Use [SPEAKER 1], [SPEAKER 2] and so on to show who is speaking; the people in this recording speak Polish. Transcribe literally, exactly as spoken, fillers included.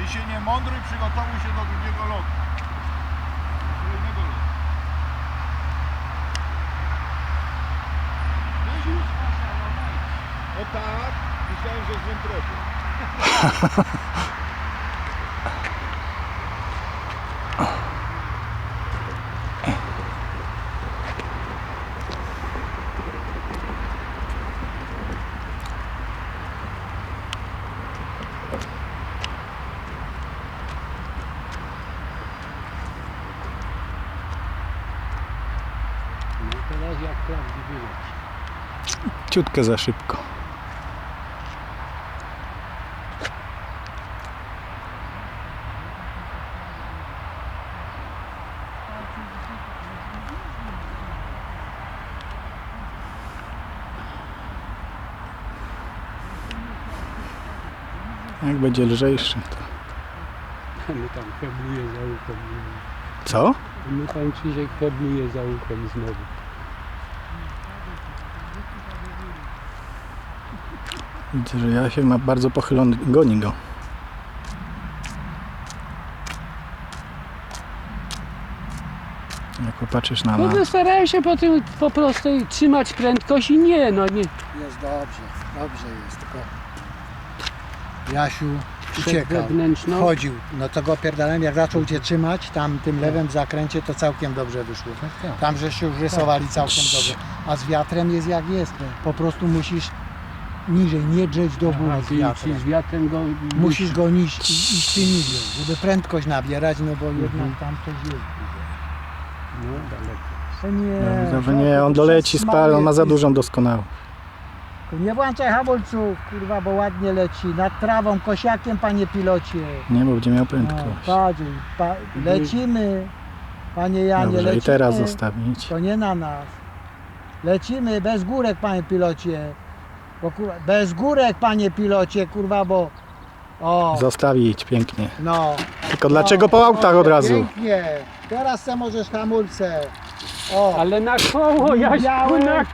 [SPEAKER 1] Ty się nie mądruj, przygotowuj się do drugiego lotu. Kolejnego lotu. Weź już, Asia, no weź. O tak, myślałem, że z wątroby.
[SPEAKER 2] No teraz jak prawdziwy leci.
[SPEAKER 3] Ciutkę za szybko. Jak będzie lżejszy, to...
[SPEAKER 2] My tam hebluje za uchem.
[SPEAKER 3] Co?
[SPEAKER 2] My tam Krzysiek hebluje za uchem znowu.
[SPEAKER 3] Widzę, że Jasiek ma bardzo pochylony, goni go. Jak popatrzysz na
[SPEAKER 2] No
[SPEAKER 3] mapę.
[SPEAKER 2] to starałem się po tym po prostu trzymać prędkość i nie, no nie.
[SPEAKER 4] Jest dobrze, dobrze jest, tylko Jasiu
[SPEAKER 2] Przed
[SPEAKER 4] uciekał,
[SPEAKER 2] wewnętrzną.
[SPEAKER 4] chodził, no to go pierdalem, jak zaczął cię trzymać, tam tym lewym zakręcie to całkiem dobrze wyszło. Tam żeście już rysowali całkiem dobrze, a z wiatrem jest jak jest, po prostu musisz niżej, nie drzeć do góry
[SPEAKER 2] A
[SPEAKER 4] z
[SPEAKER 2] ty
[SPEAKER 4] wiatrem.
[SPEAKER 2] z wiatrem go...
[SPEAKER 4] Musisz go niż, iść ty niżej, żeby prędkość nabierać, no bo jednak
[SPEAKER 2] Mhm.
[SPEAKER 4] tam coś jest.
[SPEAKER 2] No daleko.
[SPEAKER 4] To nie,
[SPEAKER 3] Ja widzę, że
[SPEAKER 4] no
[SPEAKER 3] nie,
[SPEAKER 4] to
[SPEAKER 3] on
[SPEAKER 4] to
[SPEAKER 3] doleci
[SPEAKER 4] przez
[SPEAKER 3] spal, on ma
[SPEAKER 4] mały
[SPEAKER 3] za
[SPEAKER 4] jest.
[SPEAKER 3] dużą doskonałość.
[SPEAKER 4] Nie włączaj hamulców, kurwa, bo ładnie leci, nad trawą, kosiakiem, panie pilocie.
[SPEAKER 3] Nie, bo będzie miał
[SPEAKER 4] No,
[SPEAKER 3] prędkość.
[SPEAKER 4] patrz, pa, lecimy, panie Janie,
[SPEAKER 3] Dobrze,
[SPEAKER 4] lecimy.
[SPEAKER 3] i teraz zostawić.
[SPEAKER 4] To nie na nas. Lecimy bez górek, panie pilocie. Bo, kurwa, bez górek, panie pilocie, kurwa, bo... O,
[SPEAKER 3] Zostawić, pięknie.
[SPEAKER 4] no.
[SPEAKER 3] Tylko dlaczego po autach od razu?
[SPEAKER 4] Pięknie. Teraz se możesz hamulce. O,
[SPEAKER 2] Ale na koło, Jaśku,
[SPEAKER 4] Białe.
[SPEAKER 2] na